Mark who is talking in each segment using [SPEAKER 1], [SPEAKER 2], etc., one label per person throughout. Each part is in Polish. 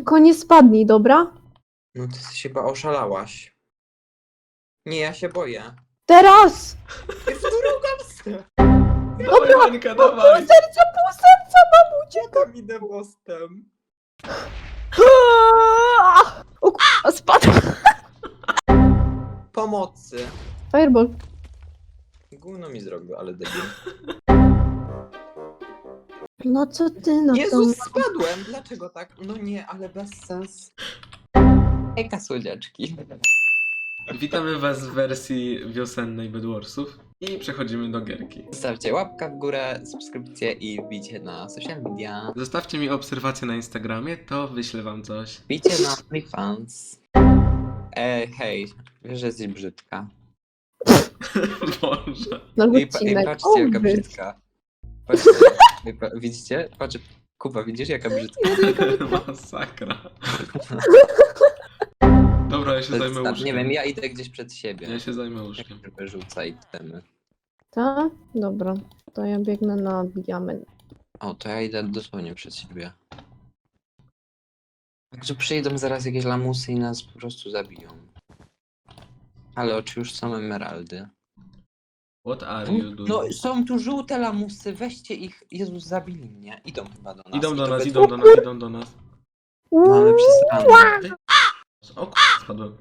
[SPEAKER 1] Tylko nie spadnij, dobra?
[SPEAKER 2] No ty chyba oszalałaś. Nie, ja się boję.
[SPEAKER 1] Teraz!
[SPEAKER 2] W drugą stronę.
[SPEAKER 3] Dawaj, Monika, dawaj!
[SPEAKER 1] Pół serca mam uciekać!
[SPEAKER 2] Tam idę mostem.
[SPEAKER 1] O k***a, spadł!
[SPEAKER 2] Pomocy.
[SPEAKER 1] Fireball.
[SPEAKER 2] Gówno mi zrobił, ale debil.
[SPEAKER 1] No co ty na to?
[SPEAKER 2] Jezus, spadłem! Dlaczego tak? No nie, ale bez sens. Ejka słodziaczki.
[SPEAKER 3] Witamy was w wersji wiosennej Bedwarsów i przechodzimy do gierki.
[SPEAKER 2] Zostawcie łapkę w górę, subskrypcję i wbijcie na social media.
[SPEAKER 3] Zostawcie mi obserwację na Instagramie, to wyślę wam coś.
[SPEAKER 2] Wbijcie na OnlyFans. Hej, wiesz, że jesteś brzydka.
[SPEAKER 3] Boże.
[SPEAKER 1] No
[SPEAKER 2] I
[SPEAKER 1] odcinek.
[SPEAKER 2] patrzcie, jaka
[SPEAKER 1] O, wy.
[SPEAKER 2] brzydka. Patrzcie, widzicie? Patrz, Kuba, widzisz, jaka brzydka?
[SPEAKER 3] Masakra. Dobra, ja się
[SPEAKER 2] To
[SPEAKER 3] zajmę
[SPEAKER 2] jest,
[SPEAKER 3] łóżkiem.
[SPEAKER 2] nie wiem, ja idę gdzieś przed siebie.
[SPEAKER 3] Ja się zajmę łóżkiem.
[SPEAKER 2] Jak tylko rzucaj temy.
[SPEAKER 1] Ta? Dobra. To ja biegnę na diament.
[SPEAKER 2] O, to ja idę dosłownie przed siebie. Także przyjdą zaraz jakieś lamusy i nas po prostu zabiją. Ale czy już są emeraldy?
[SPEAKER 3] What are you doing?
[SPEAKER 2] No, są tu żółte lamusy, weźcie ich. Jezus, zabili mnie. Idą chyba do nas.
[SPEAKER 3] Idą
[SPEAKER 2] I
[SPEAKER 3] do
[SPEAKER 2] to
[SPEAKER 3] nas,
[SPEAKER 2] we
[SPEAKER 3] idą do nas, idą do nas.
[SPEAKER 2] Mamy przesrane.
[SPEAKER 3] O spadłem.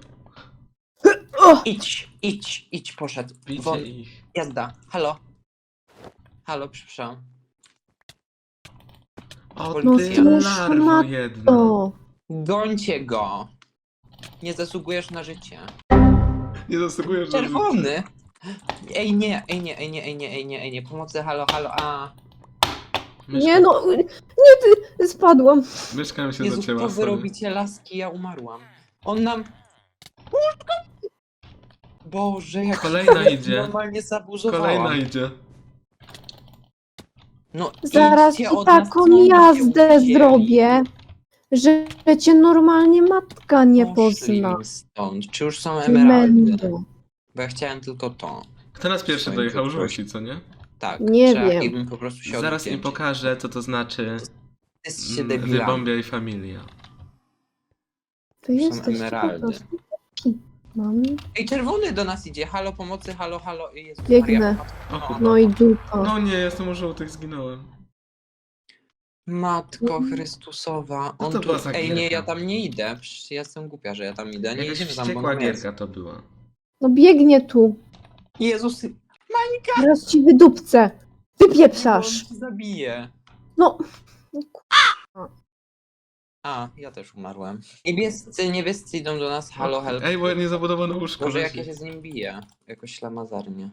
[SPEAKER 2] Idź, poszedł.
[SPEAKER 3] Bicie
[SPEAKER 2] Won,
[SPEAKER 3] ich.
[SPEAKER 2] jazda. Halo. Halo, przepraszam.
[SPEAKER 3] O
[SPEAKER 2] No,
[SPEAKER 3] ty
[SPEAKER 2] cóż,
[SPEAKER 3] larwo
[SPEAKER 1] ma
[SPEAKER 3] jedna.
[SPEAKER 1] O,
[SPEAKER 2] Gońcie go. Nie zasługujesz na życie.
[SPEAKER 3] Nie zasługujesz na życie.
[SPEAKER 2] Czerwony. Ej nie, pomocy, halo, a.
[SPEAKER 1] nie no, nie ty, spadłam.
[SPEAKER 3] Myszka mi się
[SPEAKER 2] Jezus,
[SPEAKER 3] zacięła,
[SPEAKER 2] co wy
[SPEAKER 3] sorry.
[SPEAKER 2] robicie, laski, ja umarłam. On nam... Boże, jak
[SPEAKER 3] Kolejna idzie.
[SPEAKER 2] normalnie zabuzowała.
[SPEAKER 3] Kolejna idzie.
[SPEAKER 2] No,
[SPEAKER 1] Zaraz
[SPEAKER 2] idźcie
[SPEAKER 1] ci
[SPEAKER 2] od nas,
[SPEAKER 1] taką
[SPEAKER 2] co oni się
[SPEAKER 1] jazdę
[SPEAKER 2] uwzięli.
[SPEAKER 1] zrobię, że cię normalnie matka nie
[SPEAKER 2] Poszli
[SPEAKER 1] pozna.
[SPEAKER 2] im stąd. Czy już są emeraldy?
[SPEAKER 1] Mendo.
[SPEAKER 2] Bo ja chciałem tylko to.
[SPEAKER 3] Kto nas pierwszy
[SPEAKER 2] Swoim
[SPEAKER 3] dojechał?
[SPEAKER 2] poczułem.
[SPEAKER 3] Żółci, co nie?
[SPEAKER 2] Tak,
[SPEAKER 1] Nie
[SPEAKER 2] trzeba
[SPEAKER 1] wiem.
[SPEAKER 2] im po prostu się
[SPEAKER 3] Zaraz im
[SPEAKER 2] odwdzięczyć.
[SPEAKER 3] pokażę, co to znaczy
[SPEAKER 2] Jesteście debilami.
[SPEAKER 3] Wybombia i familia.
[SPEAKER 1] Ty
[SPEAKER 2] Są
[SPEAKER 1] jesteś po
[SPEAKER 2] emeraldy.
[SPEAKER 1] prostu taki. Mam.
[SPEAKER 2] Ej, czerwony do nas idzie. Halo, pomocy, halo. Jezus
[SPEAKER 1] Biegnę.
[SPEAKER 2] Maria,
[SPEAKER 3] O kurwa.
[SPEAKER 1] No i dupa.
[SPEAKER 3] No nie, jestem u żółtych, zginąłem.
[SPEAKER 2] Matko Chrystusowa.
[SPEAKER 3] Co
[SPEAKER 2] On
[SPEAKER 3] to
[SPEAKER 2] tu...
[SPEAKER 3] była za
[SPEAKER 2] Ej, nie,
[SPEAKER 3] gierka?
[SPEAKER 2] ja tam nie idę. Przecież ja jestem głupia, że ja tam idę. Nie
[SPEAKER 3] Jakaś
[SPEAKER 2] idziemy tam, bo
[SPEAKER 3] wściekła
[SPEAKER 2] tam jest.
[SPEAKER 3] gierka to była.
[SPEAKER 1] No biegnie tu.
[SPEAKER 2] Jezus,
[SPEAKER 1] Teraz ci wydupcę.
[SPEAKER 2] on
[SPEAKER 1] Wypieprzasz.
[SPEAKER 2] ci zabije.
[SPEAKER 1] No.
[SPEAKER 2] A, ja też umarłem. Niebiescy idą do nas. Halo, help.
[SPEAKER 3] Ej, bo niezabudowane łóżko
[SPEAKER 2] Może jak
[SPEAKER 3] leci.
[SPEAKER 2] ja się z nim biję. Jakoś ślamazarnie.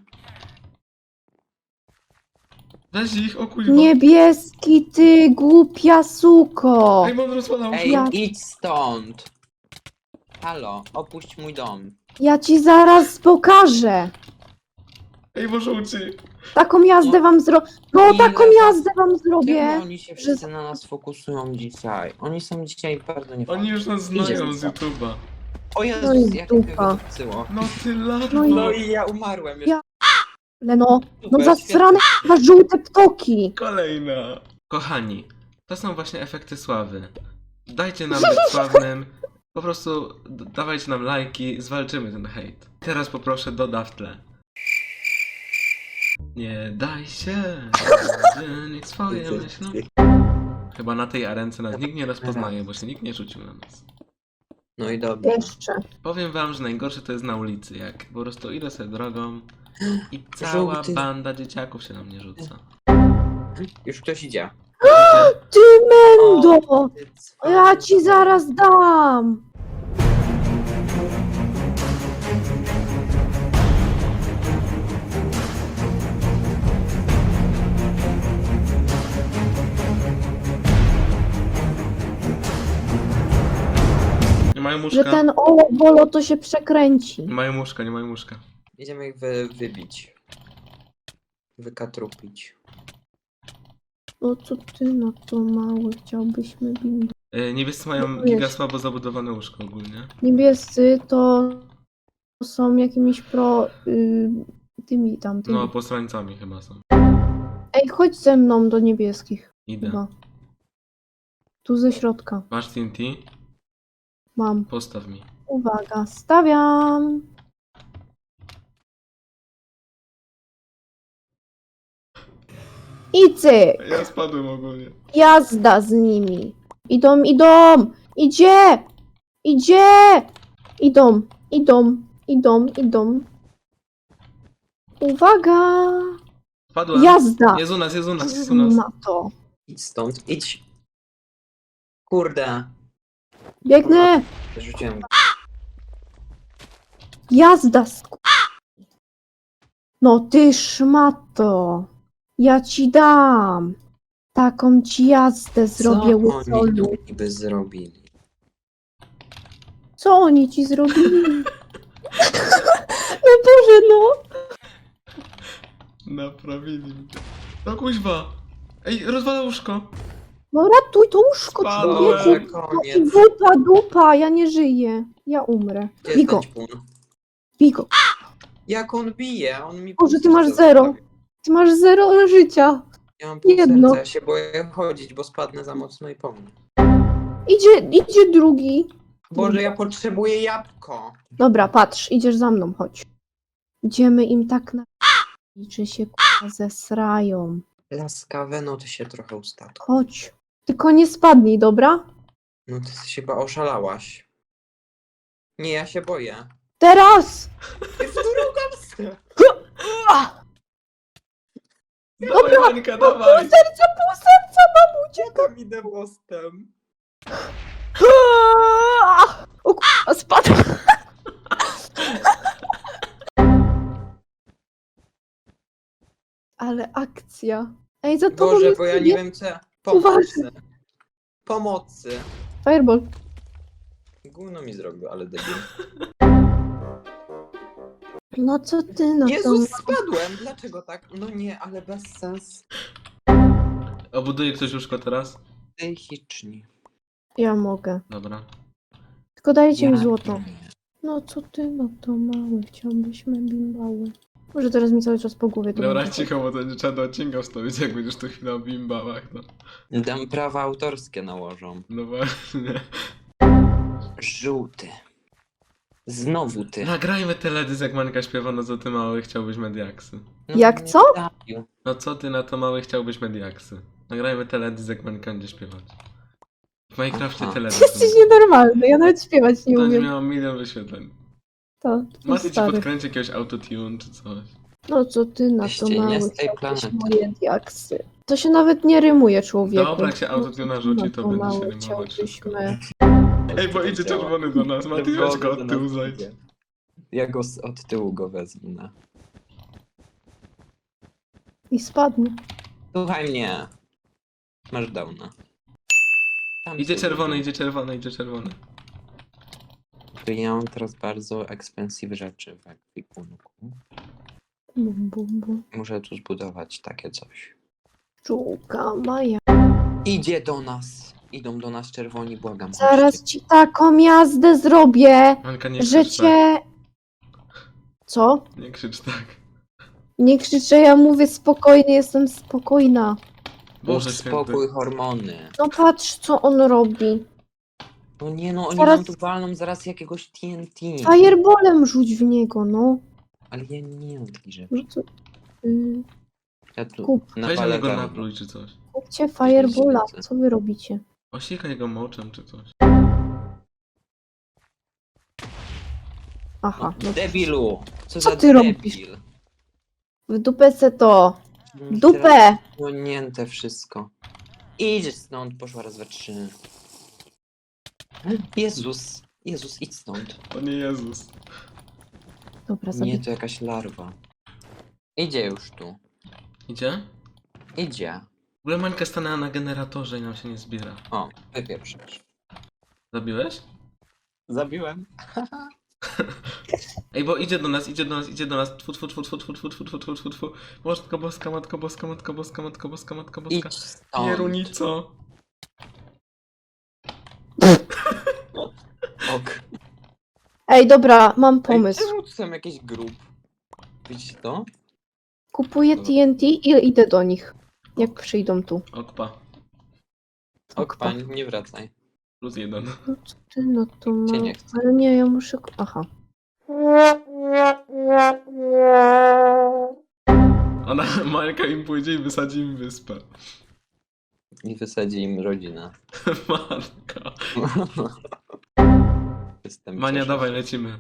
[SPEAKER 3] Weź ich, o kuźwa.
[SPEAKER 1] Niebieski, ty głupia suko.
[SPEAKER 3] Ej, mam rozwalał
[SPEAKER 2] Ej,
[SPEAKER 1] Ja-
[SPEAKER 2] idź stąd. Halo, opuść mój dom.
[SPEAKER 1] Ja ci zaraz pokażę.
[SPEAKER 3] Ej, bo żółci.
[SPEAKER 1] Taką jazdę wam zrobię. No
[SPEAKER 2] Ile
[SPEAKER 1] taką
[SPEAKER 2] was-
[SPEAKER 1] jazdę wam zrobię.
[SPEAKER 2] Czemu oni się wszyscy na nas fokusują dzisiaj? Oni są dzisiaj bardzo niefajni.
[SPEAKER 3] Oni już nas
[SPEAKER 2] Idzie
[SPEAKER 3] znają z
[SPEAKER 2] za-
[SPEAKER 3] YouTube'a.
[SPEAKER 2] O
[SPEAKER 1] No
[SPEAKER 2] Jezus,
[SPEAKER 1] i
[SPEAKER 2] jak mnie
[SPEAKER 1] dupa.
[SPEAKER 2] wydupcyło.
[SPEAKER 3] No ty larwo.
[SPEAKER 1] No i-
[SPEAKER 2] No i ja umarłem.
[SPEAKER 1] Ja- No
[SPEAKER 2] Super,
[SPEAKER 1] zasrane na żółte ptoki.
[SPEAKER 3] Kolejna. Kochani, to są właśnie efekty sławy. Dajcie nam być sławnym. Po prostu dawajcie nam lajki, zwalczymy ten hejt. Teraz poproszę doda w tle. Nie daj się, niech swoje myślą. Chyba na tej arence nas nikt nie rozpoznaje, bo się nikt nie rzucił na nas.
[SPEAKER 2] No i dobrze.
[SPEAKER 1] Jeszcze.
[SPEAKER 3] Powiem wam, że najgorsze to jest na ulicy, jak po prostu idę sobie drogą i cała
[SPEAKER 2] Żółty.
[SPEAKER 3] banda dzieciaków się na mnie rzuca.
[SPEAKER 2] Już ktoś idzie.
[SPEAKER 1] Ty mendo.
[SPEAKER 2] O, ty cwany.
[SPEAKER 1] Ja ci zaraz dam.
[SPEAKER 3] Nie mają
[SPEAKER 1] Że
[SPEAKER 3] łóżka.
[SPEAKER 1] ten bolo to się przekręci.
[SPEAKER 3] Nie mają łóżka, nie mają łóżka.
[SPEAKER 2] Idziemy ich wybić. Wykatrupić.
[SPEAKER 1] No co ty na to mały chciałbyśmy bić.
[SPEAKER 3] Niebiescy mają
[SPEAKER 1] No
[SPEAKER 3] giga
[SPEAKER 1] jest.
[SPEAKER 3] słabo zabudowane łóżko ogólnie.
[SPEAKER 1] Niebiescy to są jakimiś tymi tamtymi.
[SPEAKER 3] No, posłańcami chyba są.
[SPEAKER 1] Ej, chodź ze mną do niebieskich.
[SPEAKER 3] Idę.
[SPEAKER 1] Chyba. Tu ze środka.
[SPEAKER 3] Masz TNT?
[SPEAKER 1] Mam.
[SPEAKER 3] Postaw mi.
[SPEAKER 1] Uwaga, stawiam. I cyk.
[SPEAKER 3] Ja spadłem ogólnie.
[SPEAKER 1] Jazda z nimi. Idą, idą. Idzie. Idzie. Idą, idą, idą, idą. Uwaga.
[SPEAKER 3] Spadłem.
[SPEAKER 1] Jazda.
[SPEAKER 3] Jest u nas, jest u nas, jest u nas.
[SPEAKER 1] Ma to.
[SPEAKER 2] Idź stąd, idź. Kurde.
[SPEAKER 1] Biegnę.
[SPEAKER 2] Rzuciłem.
[SPEAKER 1] Jazda. No ty szmato. Ja ci dam. Taką ci jazdę zrobię,
[SPEAKER 2] Co oni
[SPEAKER 1] łysolu.
[SPEAKER 2] tu niby zrobili?
[SPEAKER 1] Co oni ci zrobili? No Boże, no.
[SPEAKER 3] Naprawili mnie. No kuźwa. Ej, rozwala łóżko.
[SPEAKER 1] No ratuj to łóżko,
[SPEAKER 3] Spadłem.
[SPEAKER 1] człowieku.
[SPEAKER 2] Boże,
[SPEAKER 1] No i
[SPEAKER 2] koniec.
[SPEAKER 1] dupa, ja nie żyję. Ja umrę.
[SPEAKER 2] Gdzie jest
[SPEAKER 1] Bigo,
[SPEAKER 2] ten ćpun?
[SPEAKER 1] bigo.
[SPEAKER 2] Jak on bije? On mi
[SPEAKER 1] Boże, ty
[SPEAKER 2] pół
[SPEAKER 1] masz
[SPEAKER 2] serca
[SPEAKER 1] zero.
[SPEAKER 2] zostawił.
[SPEAKER 1] Ty masz 0 życia.
[SPEAKER 2] Ja mam pół
[SPEAKER 1] Jedno.
[SPEAKER 2] serca, ja się boję chodzić, bo spadnę za mocno i po mnie.
[SPEAKER 1] Idzie drugi.
[SPEAKER 2] Boże, ja potrzebuję jabłko.
[SPEAKER 1] Dobra, patrz, idziesz za mną, chodź. Idziemy im tak na... Czy się k***a zesrają.
[SPEAKER 2] Laskawe, no ty się trochę ustatku.
[SPEAKER 1] Chodź. Tylko nie spadnij, dobra?
[SPEAKER 2] No ty się chyba oszalałaś. Nie, ja się boję.
[SPEAKER 1] Teraz!
[SPEAKER 2] Jest drugą.
[SPEAKER 3] Dawaj, Mańka, dawaj.
[SPEAKER 1] Pół serca, mam uciekać.
[SPEAKER 2] Tam idę mostem.
[SPEAKER 1] O k***a, spadł. Ale akcja. Ej, za tobą
[SPEAKER 2] Boże,
[SPEAKER 1] jest
[SPEAKER 2] bo ja nie wiem co.
[SPEAKER 1] Uważaj.
[SPEAKER 2] Pomocy. Pomocy.
[SPEAKER 1] Fireball.
[SPEAKER 2] Gówno mi zrobił, ale debil.
[SPEAKER 1] No co ty na to?
[SPEAKER 2] Jezus, spadłem! Dlaczego tak? No nie, ale bez sens.
[SPEAKER 3] A buduje ktoś łóżko teraz?
[SPEAKER 2] Psychiczni.
[SPEAKER 1] Ja mogę.
[SPEAKER 3] Dobra.
[SPEAKER 1] Tylko dajcie mi
[SPEAKER 2] Ja
[SPEAKER 1] złoto.
[SPEAKER 2] nie.
[SPEAKER 1] No co ty na to mały? Chciałbyśmy bimbały. Może teraz mi cały czas po głowie to
[SPEAKER 3] Dobra,
[SPEAKER 1] będzie.
[SPEAKER 3] cicho, bo to nie trzeba do odcinka wstawić, jak będziesz tu chwilę o bimbałach, no.
[SPEAKER 2] Dam prawa autorskie nałożą.
[SPEAKER 3] No właśnie.
[SPEAKER 2] Żółty. Znowu ty.
[SPEAKER 3] Nagrajmy teledysk, jak Mańka śpiewa, no co ty mały chciałbyś mediaksy.
[SPEAKER 2] No,
[SPEAKER 1] Jak
[SPEAKER 2] nie
[SPEAKER 1] co?
[SPEAKER 2] trafił.
[SPEAKER 3] No co ty na to mały chciałbyś mediaksy. Nagrajmy teledysk, jak Mańka będzie śpiewać. W Minecrafcie
[SPEAKER 2] Aha.
[SPEAKER 3] teledysk.
[SPEAKER 1] Jesteś nienormalny, ja nawet śpiewać nie
[SPEAKER 3] To nie
[SPEAKER 1] umiem.
[SPEAKER 3] miało 1 000 000 wyświetleń.
[SPEAKER 1] To
[SPEAKER 3] Macie ci
[SPEAKER 1] stary.
[SPEAKER 3] podkręcić jakiegoś autotune czy coś.
[SPEAKER 1] No co ty na to
[SPEAKER 2] Weźcie, nie
[SPEAKER 1] mały?
[SPEAKER 2] z tej
[SPEAKER 1] Chciałbyś
[SPEAKER 2] planety.
[SPEAKER 1] moje diaksy. To się nawet nie rymuje, człowieku.
[SPEAKER 3] Dobra, jak się autotune rzuci, to będzie się
[SPEAKER 1] mały?
[SPEAKER 3] rymować wszystko.
[SPEAKER 1] Chciałbyśmy...
[SPEAKER 3] Ej, bo idzie czerwony do nas, Mati, weź go od tyłu zajdź.
[SPEAKER 2] Ja go od tyłu go wezmę.
[SPEAKER 1] I spadnie.
[SPEAKER 2] Słuchaj mnie. Masz downa. Tam
[SPEAKER 3] Idzie
[SPEAKER 2] sobie
[SPEAKER 3] czerwony,
[SPEAKER 2] idę.
[SPEAKER 3] idzie czerwony, idzie czerwony.
[SPEAKER 2] To ja mam teraz bardzo expensive rzeczy w ekwipunku.
[SPEAKER 1] Bum, bum, bum.
[SPEAKER 2] Muszę tu zbudować takie coś.
[SPEAKER 1] Czułka Maja.
[SPEAKER 2] Idzie do nas. Idą do nas czerwoni, błagam.
[SPEAKER 1] Zaraz
[SPEAKER 2] chodźcie.
[SPEAKER 1] ci taką jazdę zrobię,
[SPEAKER 3] Manka, nie
[SPEAKER 1] że
[SPEAKER 3] krzycz tak.
[SPEAKER 1] cię... Co?
[SPEAKER 3] Nie krzycz tak.
[SPEAKER 1] Nie krzyczę, ja mówię spokojnie, jestem spokojna.
[SPEAKER 3] Boże
[SPEAKER 2] Uspokój
[SPEAKER 3] święty.
[SPEAKER 2] hormony.
[SPEAKER 1] No patrz, co on robi.
[SPEAKER 2] No nie no, oni
[SPEAKER 1] Zaraz-
[SPEAKER 2] nam tu walną zaraz jakiegoś TNT.
[SPEAKER 1] Fireballem rzuć w niego, no.
[SPEAKER 2] Ale ja nie mam takich rzeczy.
[SPEAKER 1] No to...
[SPEAKER 2] Ja tu
[SPEAKER 1] Kup.
[SPEAKER 3] Weź na
[SPEAKER 2] napalę
[SPEAKER 3] niego
[SPEAKER 2] wełnę.
[SPEAKER 3] napluj czy coś.
[SPEAKER 1] Kupcie Fireballa, co wy robicie?
[SPEAKER 3] Osikaj go moczem czy coś.
[SPEAKER 1] Aha, no
[SPEAKER 2] Debilu!
[SPEAKER 1] Co
[SPEAKER 2] za
[SPEAKER 1] ty robisz?
[SPEAKER 2] debil?
[SPEAKER 1] w dupę se to. W
[SPEAKER 2] Teraz
[SPEAKER 1] dupę!
[SPEAKER 2] Płonięte wszystko. Idź stąd, poszła raz, dwa, trzy. Jezus! Jezus, idź stąd.
[SPEAKER 3] O nie Jezus.
[SPEAKER 1] Dobra,
[SPEAKER 2] Nie,
[SPEAKER 1] zabij.
[SPEAKER 2] to jakaś larwa. Idzie już tu.
[SPEAKER 3] Idzie?
[SPEAKER 2] Idzie.
[SPEAKER 3] W ogóle Mańka stanęła na generatorze i nam się nie zbiera.
[SPEAKER 2] O, wypieprzysz.
[SPEAKER 3] Zabiłeś?
[SPEAKER 2] Zabiłem.
[SPEAKER 3] Ej, bo idzie do nas, idzie do nas, idzie do nas. Tfu, tfu, tfu, tfu, tfu, tfu, tfu, tfu, tfu, tfu, tfu. Matko boska, matko boska, matko boska, matko boska, matko boska.
[SPEAKER 2] Idź stąd.
[SPEAKER 3] Pierunico.
[SPEAKER 2] Ok.
[SPEAKER 1] Ej, dobra, mam
[SPEAKER 2] Ej,
[SPEAKER 1] pomysł.
[SPEAKER 2] czemu tu są jakieś grup? Widzicie to?
[SPEAKER 1] Kupuję TNT i idę do nich. Jak przyjdą tu.
[SPEAKER 3] Okpa.
[SPEAKER 2] Ok, pani, nie wracaj.
[SPEAKER 3] +1.
[SPEAKER 1] No co ty, no to
[SPEAKER 2] Cię
[SPEAKER 1] ma...
[SPEAKER 2] nie chce.
[SPEAKER 1] Ale nie, ja muszę... Aha.
[SPEAKER 3] Ona, Majka im pójdzie i wysadzi im wyspę.
[SPEAKER 2] I wysadzi im rodzinę.
[SPEAKER 3] Marka.
[SPEAKER 2] Jestem
[SPEAKER 3] Mania,
[SPEAKER 2] cieszę
[SPEAKER 3] dawaj,
[SPEAKER 2] się.
[SPEAKER 3] lecimy.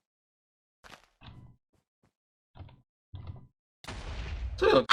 [SPEAKER 3] Co ja?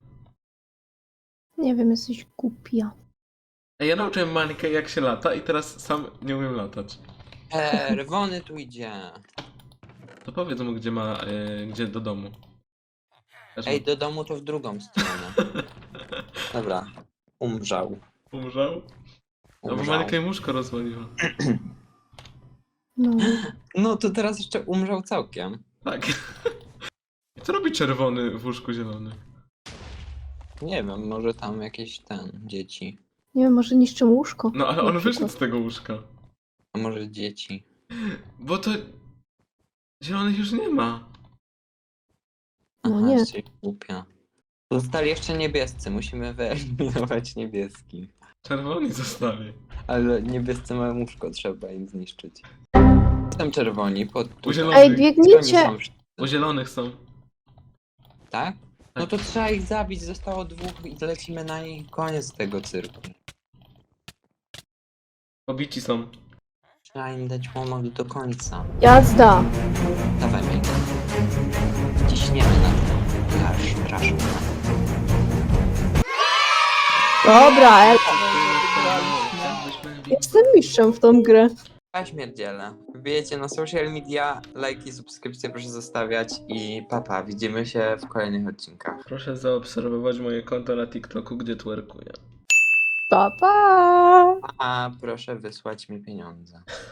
[SPEAKER 1] Nie wiem, jesteś głupia.
[SPEAKER 3] Ej, ja nauczyłem Mańkę jak się lata i teraz sam nie umiem latać.
[SPEAKER 2] Rwony tu idzie.
[SPEAKER 3] To powiedz mu, gdzie ma, gdzie do domu. Też
[SPEAKER 2] Ej, do domu to w drugą stronę. Dobra. Umrzał.
[SPEAKER 3] umrzał? No bo
[SPEAKER 2] Umrzał.
[SPEAKER 3] Mańka im łóżko rozwaliła.
[SPEAKER 1] No.
[SPEAKER 2] No to teraz jeszcze umrzał całkiem.
[SPEAKER 3] Tak. I co robi czerwony w łóżku zielony?
[SPEAKER 2] Nie wiem, może tam jakieś dzieci.
[SPEAKER 1] Nie wiem, może niszczę łóżko.
[SPEAKER 3] No ale
[SPEAKER 1] Na
[SPEAKER 3] on
[SPEAKER 1] przykład.
[SPEAKER 3] wyszedł z tego łóżka.
[SPEAKER 2] A może dzieci.
[SPEAKER 3] Bo to... Zielonych już nie ma.
[SPEAKER 1] No
[SPEAKER 2] Aha,
[SPEAKER 1] nie.
[SPEAKER 2] jesteś głupia. Zostali jeszcze niebiescy, musimy wyeliminować niebieskich.
[SPEAKER 3] Czerwoni zostali.
[SPEAKER 2] Ale niebiescy mają łóżko, trzeba im zniszczyć. Tam czerwoni,
[SPEAKER 3] U zielonych.
[SPEAKER 1] Ej,
[SPEAKER 2] Oni
[SPEAKER 1] biegnijcie!
[SPEAKER 2] są wszyscy,
[SPEAKER 3] U zielonych są.
[SPEAKER 2] tak? No to trzeba ich zabić, zostało 2 i lecimy na nich, koniec tego cyrku.
[SPEAKER 3] Pobici są.
[SPEAKER 2] Trzeba im dać pomoc do końca.
[SPEAKER 1] Jazda!
[SPEAKER 2] Dawaj mnie. Ciśniemy na to. Rasz.
[SPEAKER 1] Dobra, jestem mistrzem w tą grę.
[SPEAKER 2] Śmierdziele. Wbijecie na social media, lajki, subskrypcje proszę zostawiać i papa, widzimy się w kolejnych odcinkach.
[SPEAKER 3] Proszę zaobserwować moje konto na TikToku, gdzie twerkuję.
[SPEAKER 1] Pa, pa!
[SPEAKER 2] A proszę wysłać mi pieniądze.